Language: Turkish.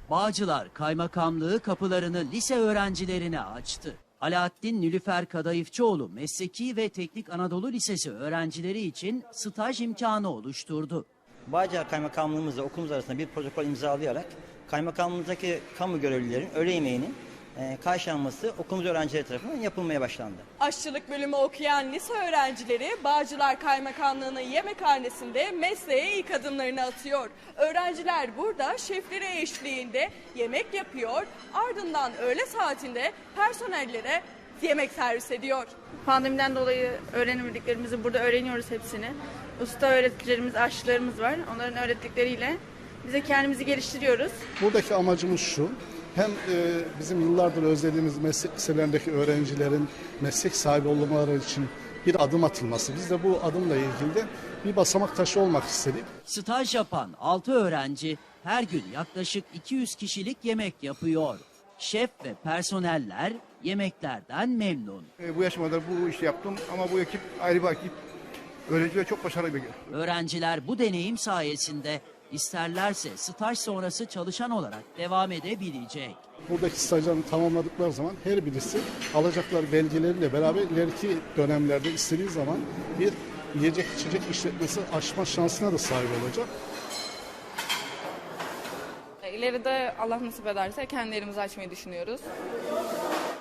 Bağcılar Kaymakamlığı kapılarını lise öğrencilerine açtı. Alaaddin Nilüfer Kadayıfçıoğlu Mesleki ve Teknik Anadolu Lisesi öğrencileri için staj imkanı oluşturdu. Bağcılar Kaymakamlığımızla okulumuz arasında bir protokol imzalayarak kaymakamlığımızdaki kamu görevlilerin öğle yemeğinin karşılanması okulumuz öğrencileri tarafından yapılmaya başlandı. Aşçılık bölümü okuyan lise öğrencileri Bağcılar Kaymakamlığı'nın yemekhanesinde mesleğe ilk adımlarını atıyor. Öğrenciler burada şefleri eşliğinde yemek yapıyor, ardından öğle saatinde personellere yemek servis ediyor. Pandemiden dolayı öğrenemediklerimizi burada öğreniyoruz hepsini. Usta öğreticilerimiz, aşçılarımız var. Onların öğrettikleriyle bize kendimizi geliştiriyoruz. Buradaki amacımız şu, hem bizim yıllardır özlediğimiz meslek liselerindeki öğrencilerin meslek sahibi olmaları için bir adım atılması. Biz de bu adımla ilgili de bir basamak taşı olmak istedik. Staj yapan 6 öğrenci her gün yaklaşık 200 kişilik yemek yapıyor. Şef ve personeller yemeklerden memnun. Bu yaşıma kadar bu işi yaptım ama bu ekip ayrı bir ekip. Öğrenciler çok başarılı bir ekip. Öğrenciler bu deneyim sayesinde isterlerse staj sonrası çalışan olarak devam edebilecek. Buradaki stajlarını tamamladıkları zaman her birisi alacakları belgeleriyle beraber ileriki dönemlerde istediği zaman bir yiyecek içecek işletmesi açma şansına da sahip olacak. İleride Allah nasip ederse kendi yerimizi açmayı düşünüyoruz.